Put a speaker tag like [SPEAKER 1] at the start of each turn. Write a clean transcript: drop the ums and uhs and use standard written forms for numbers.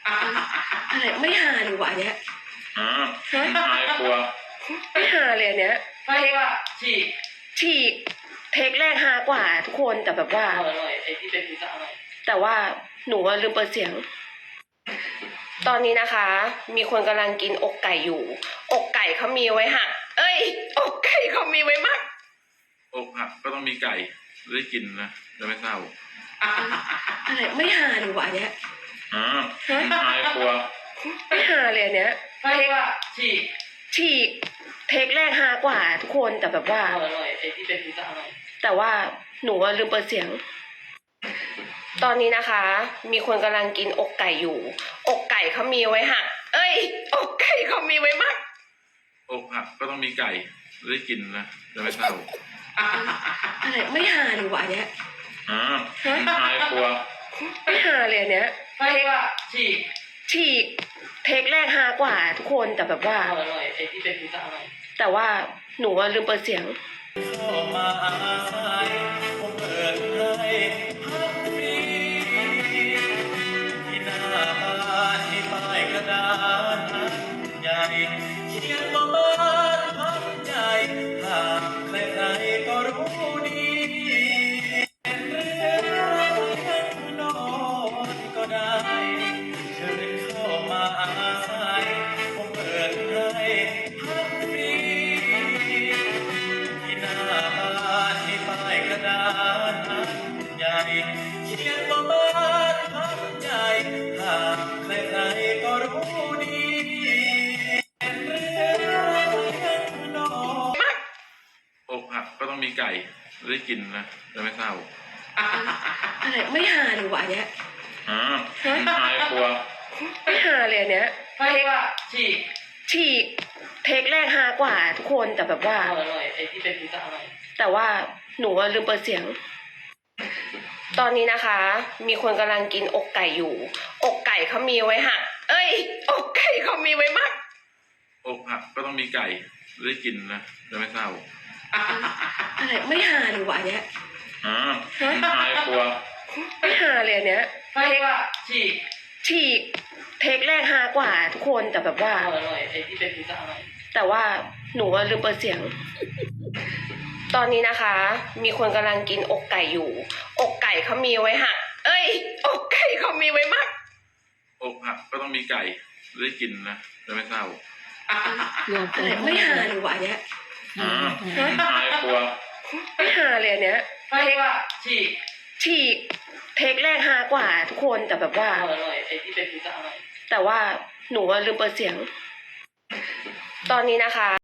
[SPEAKER 1] อะไรไม่หาหรือวะเนี้ย
[SPEAKER 2] หายกลัว
[SPEAKER 1] ไม่หาเลยอันเนี้ย
[SPEAKER 3] ไม่ว่า
[SPEAKER 1] ฉีกเทคแรกฮากว่าทุกคนแต่แบบว่า
[SPEAKER 3] อร่อยไอ้ที่เป็นพิซซ่าอร่อย
[SPEAKER 1] แต่ว่าหนูลืมเปิดเสียงตอนนี้นะคะมีคนกำลังกินอกไก่อยู่อกไก่เขามีไว้หักอกไก่เขามีไว้มัก
[SPEAKER 2] อกหักก็ต้องมีไก่ได้กินนะจะไม่เศร้า
[SPEAKER 1] อะไรไม่หาหรือวะเนี้ย
[SPEAKER 2] หายกลัว
[SPEAKER 1] ไม่หาเลยอันเนี้ย
[SPEAKER 3] ไม่ว่า
[SPEAKER 1] ฉีกเทคแรกฮากว่าทุกคนแต่แบบว่า
[SPEAKER 3] อร่อยไอ้ที่เป็นพิซซ่าอร่อย
[SPEAKER 1] แต่ว่าหนูลืมเปิดเสียงตอนนี้นะคะมีคนกำลังกินอกไก่อยู่อกไก่เขามีไว้หักอกไก่เขามีไว้มัก
[SPEAKER 2] อกหักก็ต้องมีไก่ได้กินนะจะไม่เศร้า
[SPEAKER 1] อะไรไม่หาหรือวะเนี้ย
[SPEAKER 2] หายกลัว
[SPEAKER 1] ไม่หาเลยอันเนี้ย
[SPEAKER 3] ไม่ว่า
[SPEAKER 1] ฉีกเทคแรกฮากว่าทุกคนแต่แบบว่า
[SPEAKER 3] อร่อยไอ้ที่เป็นพิซซ่าอร่อย
[SPEAKER 1] แต่ว่าหนูลืมเปิดเสียง
[SPEAKER 4] เข้ามาอาศัยผมเปิดให้พักฟรีที่หน้าบ้านมีป้ายกระดานใหญ่เขียนว่าบ้านพักใจหากใครๆก็รู้ดีเป็นเรื่องนอนก็ได้เชิญเข้ามาอาศัยผมเปิดให้พักฟรีที่หน้าบ้านมีป้ายกระดานใหญ่เขียนว่าบ้านพักใจหากใครๆก็รู้ดีเป็นเรื่องนอน
[SPEAKER 2] อกหักก็ต้องมีไก่ได้กินนะจะไม่เศร้า
[SPEAKER 1] อะไรไม่หาหรือวะเนี้ย
[SPEAKER 2] หายกลัว
[SPEAKER 1] ไม่หาเลยอันเนี้ย
[SPEAKER 3] ไม่ว่า
[SPEAKER 1] ฉีกเทคแรกฮากว่าทุกคนแต่แบบว่า
[SPEAKER 3] อร่อยไอ้ที่เป็นพิซซ่าอร่อย
[SPEAKER 1] แต่ว่าหนูลืมเปิดเสียงตอนนี้นะคะมีคนกำลังกินอกไก่อยู่อกไก่เขามีไว้หักอกไก่เขามีไว้มัก
[SPEAKER 2] อกหักก็ต้องมีไก่ได้กินนะจะไม่เศร้า
[SPEAKER 1] อะไรไม่หาหรือวะเนี้ย
[SPEAKER 2] หายกลัว
[SPEAKER 1] ไม่หาเลยอันเนี้ย
[SPEAKER 3] ไม่ว่า
[SPEAKER 1] ฉีกเทคแรกฮากว่าทุกคนแต่แบบว่า
[SPEAKER 3] อร่อยไอ้ที่เป็นพิซซ่าอร่อย
[SPEAKER 1] แต่ว่าหนูลืมเปิดเสียงตอนนี้นะคะมีคนกำลังกินอกไก่อยู่อกไก่เขามีไว้หักอกไก่เขามีไว้มัก
[SPEAKER 2] อกหักก็ต้องมีไก่ได้กินนะจะไม่เศร้า
[SPEAKER 1] อะไรไม่หาหรือวะเนี้ย
[SPEAKER 2] หายกลัว
[SPEAKER 1] ไม่หาเลยอันเนี้ย
[SPEAKER 3] ไม่ว่า
[SPEAKER 1] ฉีกเทคแรกฮากว่าทุกคนแต่แบบว่า
[SPEAKER 3] อร่อยไอ้ที่เป็นพิซซ่าอร่อย
[SPEAKER 1] แต่ว่าหนูลืมเปิดเสียงตอนนี้นะคะ